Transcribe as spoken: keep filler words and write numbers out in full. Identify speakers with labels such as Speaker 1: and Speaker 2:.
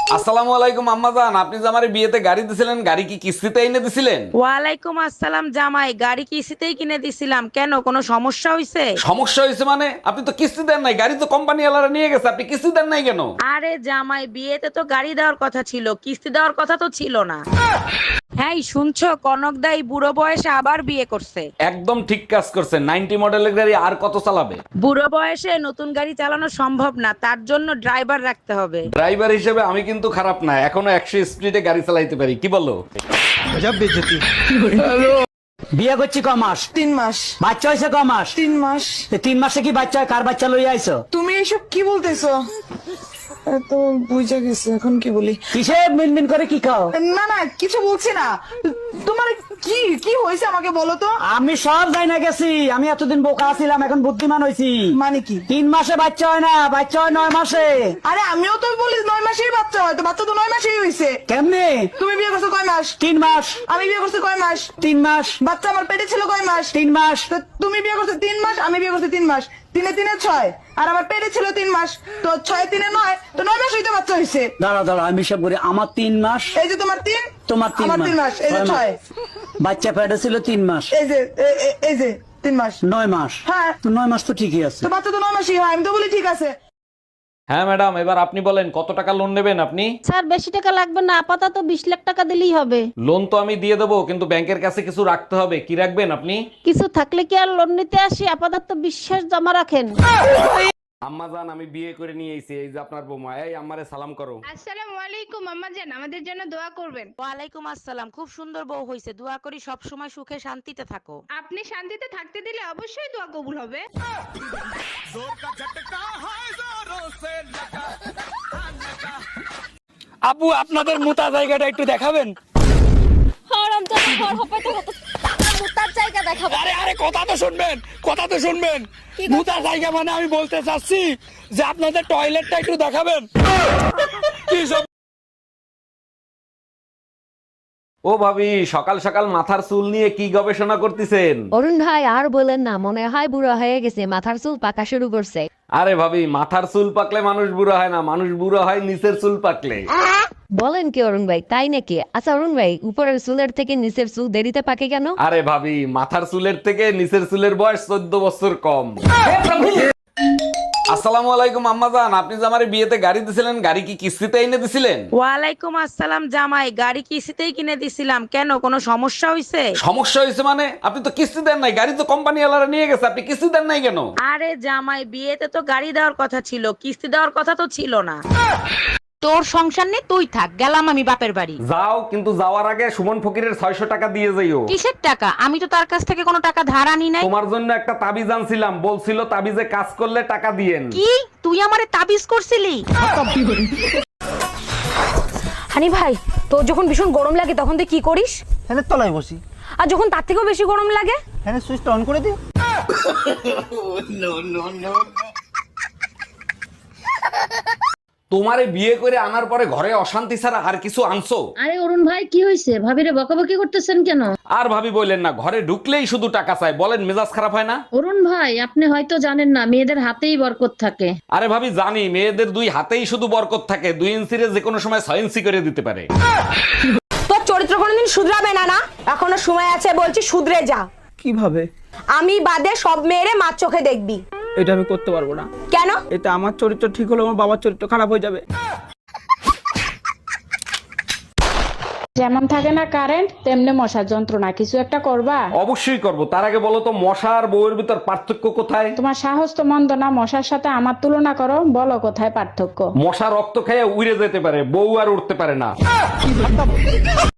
Speaker 1: আসসালামু আলাইকুম আম্মাজান, আপনি যে আমারে বিয়েতে গাড়ি দিছিলেন, গাড়ি কি কিস্তিতে এনে দিছিলেন?
Speaker 2: ওয়ালাইকুম আসসালাম জামাই, গাড়ি কিস্তিতেই কিনে দিছিলাম। কেন, কোনো সমস্যা হয়েছে?
Speaker 1: সমস্যা হয়েছে মানে? আপনি তো কিস্তি দেন নাই, গাড়ি তো কোম্পানি ওয়ালারা নিয়ে গেছে, আপনি কিস্তি দেন নাই কেন?
Speaker 2: আরে জামাই, বিয়েতে তো গাড়ি দেওয়ার কথা ছিল, কিস্তি দেওয়ার কথা তো ছিল না। হ্যাঁ শুনছো, কনক দাই বুড়ো বয়সে আবার বিয়ে করছে।
Speaker 1: একদম ঠিক কাজ করছেন। নাইনটি মডেলের গাড়ি আর কত চালাবে?
Speaker 2: বুড়ো বয়সে নতুন গাড়ি চালানো সম্ভব না, তার জন্য ড্রাইভার রাখতে হবে।
Speaker 1: ড্রাইভার হিসেবে আমি কিন্তু খারাপ না, এখনো একশো স্পিডে গাড়ি চালাইতে পারি, কি বলো?
Speaker 3: বিয়ে করছি ক মাস?
Speaker 4: তিন মাস।
Speaker 3: বাচ্চা হয়েছে ক মাস?
Speaker 4: তিন মাস।
Speaker 3: তো তিন মাসে কি বাচ্চা হয়? কার বাচ্চা লইয়া আইছো?
Speaker 4: তুমি এইসব কি বলতেছো? তো বুঝা গেছে, এখন কি বলি?
Speaker 3: কিসে মিনমিন করে কি খাও?
Speaker 4: না না, কিছু বলছি না। তোমার কি কি হয়েছে আমাকে বলো তো।
Speaker 3: আমি সব যাই না গেছি, আমি এতদিন বোকা ছিলাম, এখন বুদ্ধিমান হয়েছি।
Speaker 4: মানে কি?
Speaker 3: তিন মাসে বাচ্চা হয় না, বাচ্চা হয় নয় মাসে।
Speaker 4: আরে আমিও তো বলি নয় মাসেই বাচ্চা হয়, তো বাচ্চা তো নয় মাসেই হয়েছে।
Speaker 3: কেমনে?
Speaker 4: তুমি বিয়ে করছো কয় মাস?
Speaker 3: তিন মাস।
Speaker 4: আমি বিয়ে করছি কয় মাস?
Speaker 3: তিন মাস।
Speaker 4: বাচ্চা আমার পেটে ছিল কয় মাস?
Speaker 3: তিন মাস।
Speaker 4: তো তুমি বিয়ে করছো তিন মাস, আমি বিয়ে করছি তিন মাস। তিনে তিনে ছয়, আর আমার পেটে ছিল তিন মাস, তো ছয় তিনে নয়, তো নয় মাস হইতে বাচ্চা হয়েছে।
Speaker 3: দাঁড়া দাঁড়া, আমি সব করি। আমার তিন মাস,
Speaker 4: এই যে তোমার তিন,
Speaker 3: তোমার তিন
Speaker 4: আমার তিন মাস, এই যে
Speaker 3: ছয় মাস।
Speaker 4: ছয়।
Speaker 3: বাচ্চা পেটে ছিল তিন মাস,
Speaker 4: এই যে এ- এ- এই যে তিন মাস।
Speaker 3: নয় মাস।
Speaker 4: হ্যাঁ।
Speaker 3: তো নয় মাস তো ঠিকই আছে।
Speaker 4: তো বাচ্চা তো নয় মাসই হয়, আমি তো বলি ঠিক আছে।
Speaker 1: হ্যাঁ ম্যাডাম, এবার আপনি বলেন কত টাকা লোন নেবেন আপনি?
Speaker 5: স্যার বেশি টাকা লাগবে না, আপাতত বিশ লাখ টাকা দিলেই হবে।
Speaker 1: লোন তো আমি দিয়ে দেবো, কিন্তু ব্যাংকের কাছে কিছু রাখতে হবে। কি রাখবেন আপনি?
Speaker 5: কিছু থাকলে কি আর লোন নিতে আসি? আপাতত বিশ্বাস জমা রাখেন।
Speaker 1: আম্মাজান, আমি বিয়ে করে নিয়ে এসেছি, এই যে আপনার বৌমা। এই আম্মারে সালাম করো।
Speaker 6: আসসালামু আলাইকুম আম্মা জান, আমাদের জন্য দোয়া করবেন।
Speaker 2: ওয়ালাইকুম আসসালাম, খুব সুন্দর বউ হয়েছে, দোয়া করি সব সময় সুখে শান্তিতে থাকো।
Speaker 6: আপনি শান্তিতে থাকতে দিলে অবশ্যই দোয়া কবুল হবে।
Speaker 7: আপু, আপনাদের মোতা জায়গাটা একটু দেখাবেন? আরে আরে, কথা তো শুনবেন, কথা তো শুনবেন। মোতা জায়গা মানে আমি বলতে চাচ্ছি যে আপনাদের টয়লেটটা একটু দেখাবেন। কি সব?
Speaker 1: ও ভাবি, সকাল সকাল মাথার চুল নিয়ে কি গবেষণা করতেছেন?
Speaker 8: অরুণ ভাই আর বলেন না, মনে হয় বুড়ো হয়ে গেছে, মাথার চুল পাকা শুরু করছে।
Speaker 1: আরে ভাবি, মাথার চুল পাকলে মানুষ বুড়ো হয় না, মানুষ বুড়ো হয় নিচের চুল পাকলে।
Speaker 8: বলেন কি অরুণ ভাই, তাই নাকি? আচ্ছা অরুণ ভাই, উপরের চুলের থেকে নিচের চুল দেরিতে পাকে কেন?
Speaker 1: আরে ভাবি, মাথার চুলের থেকে নিচের চুলের বয়স চোদ্দ বছর কম। আসসালামু আলাইকুম আম্মাজান, আপনি যে আমারে বিয়েতে গাড়ি দিছিলেন, গাড়ি কি কিস্তিতে এনে দিছিলেন?
Speaker 2: ওয়ালাইকুম আসসালাম জামাই, গাড়ি কিস্তিতেই কিনে দিছিলাম। কেন, কোনো সমস্যা হয়েছে?
Speaker 1: সমস্যা হয়েছে মানে? আপনি তো কিস্তি দেন নাই, গাড়ি তো কোম্পানি ওয়ালারা নিয়ে গেছে, আপনি কিস্তি দেন নাই কেন?
Speaker 2: আরে জামাই, বিয়েতে তো গাড়ি দেওয়ার কথা ছিল, কিস্তি দেওয়ার কথা তো ছিল না। তোর সংসার নেই, তুই থাক, গেলাম আমি বাপের বাড়ি।
Speaker 1: যাও, কিন্তু যাওয়ার আগে সুমন ফকিরের ছয়শো টাকা দিয়ে যাইও।
Speaker 2: কিসের টাকা? আমি তো তার কাছ থেকে কোনো টাকা ধার আনি নাই।
Speaker 1: তোমার জন্য একটা তাবিজ আনছিলাম, বলছিল তাবিজে কাজ করলে টাকা দিয়েন।
Speaker 2: কি, তুই আমারে তাবিজ করছিলি?
Speaker 9: হানি ভাই, তোর যখন ভীষণ গরম লাগে তখন তুই কি করিস?
Speaker 3: ফ্যানের তলায় বসি।
Speaker 9: আর যখন তার থেকেও বেশি গরম লাগে?
Speaker 3: ফ্যানের সুইচটা অন করে দিই।
Speaker 1: তোমারে বিয়ে করে আনার পরে ঘরে অশান্তি ছাড়া আর কিছু আনছো?
Speaker 5: আরে অরুণ ভাই, কি হয়েছে? ভাবিরে বকাবকি করতেছেন কেন?
Speaker 1: আর ভাবি বললেন না, ঘরে ঢুকলেই শুধু টাকা চাই, বলেন মেজাজ খারাপ হয় না?
Speaker 5: অরুণ ভাই, আপনি হয়তো জানেন না, মেয়েদের হাতেই বরকত থাকে।
Speaker 1: আরে ভাবি জানি, মেয়েদের দুই হাতেই শুধু বরকত থাকে, দুই ইঞ্চিরে যে কোনো সময় ছয় ইঞ্চি করে দিতে পারে।
Speaker 9: তোর চরিত্র কোনোদিন শুধরাবে না না? এখনো সময় আছে, বলছি শুধরে যা।
Speaker 7: কিভাবে?
Speaker 9: আমি বাদে সব মেয়েরে মার চোখে দেখবি।
Speaker 7: এটা আমি করতে পারবো না।
Speaker 9: কেন?
Speaker 7: এটা আমার চরিত্র ঠিক হলে আমার বাবার চরিত্র খারাপ হয়ে যাবে।
Speaker 10: যেমন থাকে না কারেন্ট, তেমনি মশার যন্ত্রণা, কিছু একটা করবা?
Speaker 1: অবশ্যই করব, তার আগে বলো তো মশা আর বউয়ের ভিতর পার্থক্য কোথায়?
Speaker 10: তোমার সাহস তো মন্দ না, মশার সাথে আমার তুলনা করো, বলো কোথায় পার্থক্য?
Speaker 1: মশা রক্ত খেয়ে উড়ে যেতে পারে, বউ আর উঠতে পারে না।